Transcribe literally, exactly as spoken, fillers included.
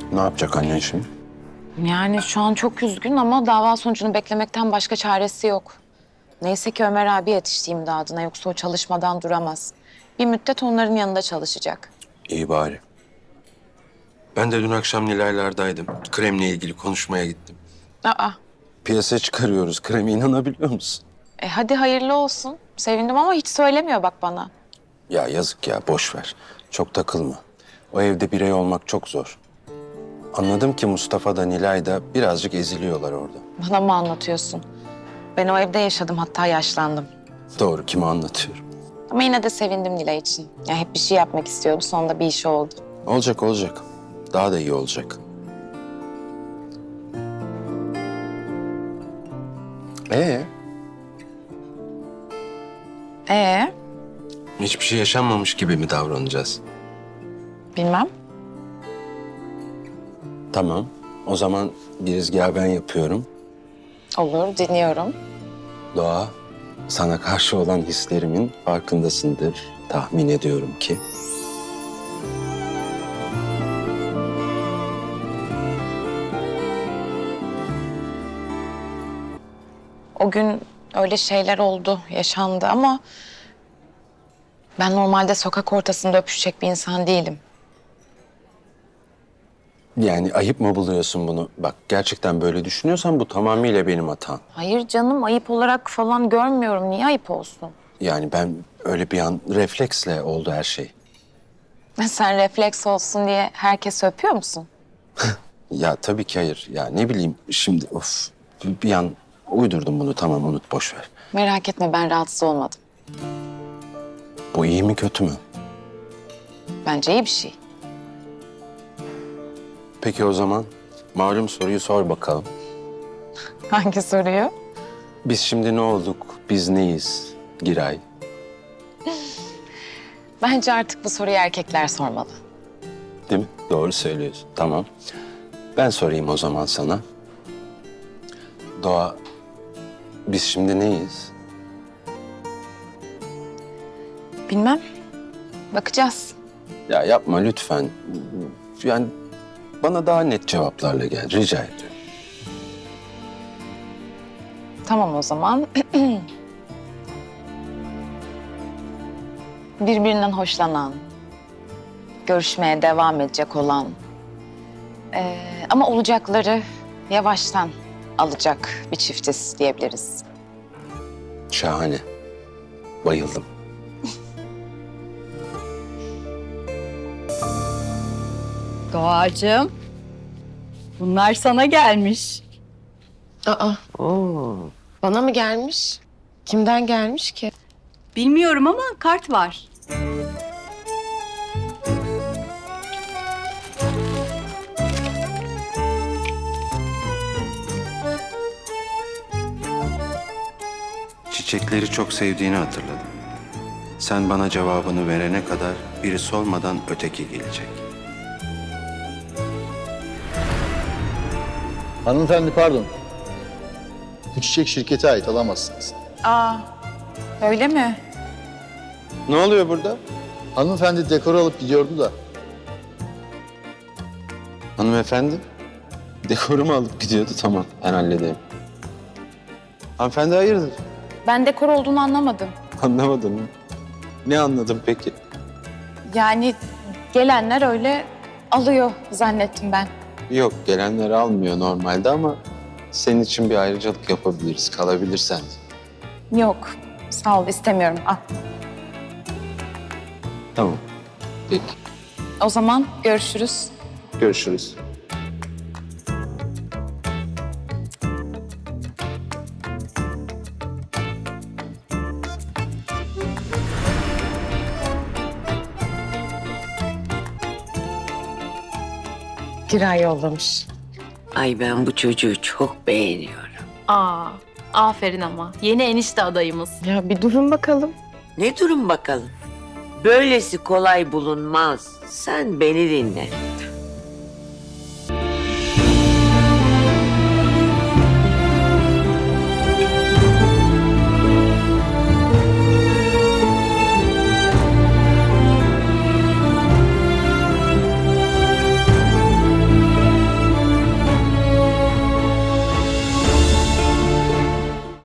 Ne yapacak annen şimdi? Yani şu an çok üzgün ama dava sonucunu beklemekten başka çaresi yok. Neyse ki Ömer abi yetişti imdadına, yoksa o çalışmadan duramaz. Bir müddet onların yanında çalışacak. İyi bari. Ben de dün akşam Nilaylar'daydım. Kremle ilgili konuşmaya gittim. Aa, Piyasaya çıkarıyoruz. Kremi, inanabiliyor musun? e hadi hayırlı olsun. Sevindim ama hiç söylemiyor bak bana. Ya yazık ya, boş ver. Çok takılma. O evde birey olmak çok zor. Anladım ki Mustafa da Nilay da birazcık eziliyorlar orada. Bana mı anlatıyorsun? Ben o evde yaşadım, hatta yaşlandım. Doğru, kime anlatıyorum? Ama yine de sevindim Nilay için. Ya hep bir şey yapmak istiyordu, sonunda bir işi oldu. Olacak olacak. Daha da iyi olacak. Ee, Ee, hiçbir şey yaşanmamış gibi mi davranacağız? bilmem. Tamam. O zaman girizgahı ben yapıyorum. Olur, dinliyorum. Doğa, sana karşı olan hislerimin farkındasındır. Tahmin ediyorum ki. O gün öyle şeyler oldu, yaşandı ama... ben normalde sokak ortasında öpüşecek bir insan değilim. Yani ayıp mı buluyorsun bunu? Bak, gerçekten böyle düşünüyorsan bu tamamıyla benim hatam. Hayır canım, ayıp olarak falan görmüyorum. Niye ayıp olsun? Yani ben öyle bir an refleksle oldu her şey. Sen refleks olsun diye herkes öpüyor musun? Ya tabii ki hayır. Ya ne bileyim şimdi of bir an uydurdum bunu, tamam unut, boş ver. Merak etme, ben rahatsız olmadım. Bu iyi mi kötü mü? Bence iyi bir şey. Peki o zaman malum soruyu sor bakalım. Hangi soruyu? Biz şimdi ne olduk? Biz neyiz? Giray. Bence artık bu soruyu erkekler sormalı. Değil mi? Doğru söylüyorsun. Tamam. Ben sorayım o zaman sana. Doğa, biz şimdi neyiz? Bilmem. Bakacağız. Ya yapma lütfen. Yani bana daha net cevaplarla gel. Rica ediyorum. Tamam o zaman. Birbirinden hoşlanan, görüşmeye devam edecek olan... ee, ama olacakları yavaştan alacak bir çiftiz diyebiliriz. Şahane. Bayıldım. Doğacığım, bunlar sana gelmiş. Aa, oo. Bana mı gelmiş? Kimden gelmiş ki? Bilmiyorum ama kart var. Çiçekleri çok sevdiğini hatırladım. Sen bana cevabını verene kadar birisi olmadan öteki gelecek. Hanımefendi pardon. Bu çiçek şirkete ait, alamazsınız. Aa, öyle mi? Ne oluyor burada? Hanımefendi dekor alıp gidiyordu da. Hanımefendi, dekorumu alıp gidiyordu. Tamam, ben halledeyim. Hanımefendi hayırdır? Ben dekor olduğunu anlamadım. Anlamadım mı? Ne anladın peki? Yani gelenler öyle alıyor zannettim ben. Yok, gelenler almıyor normalde ama senin için bir ayrıcalık yapabiliriz, kalabilirsen. Yok, sağ ol, istemiyorum. Al. Tamam, peki. O zaman görüşürüz. Görüşürüz. Giray yollamış. Ay ben bu çocuğu çok beğeniyorum. Aa, aferin ama. Yeni enişte adayımız. Ya bir durun bakalım. Ne durum bakalım. Böylesi kolay bulunmaz. Sen beni dinle.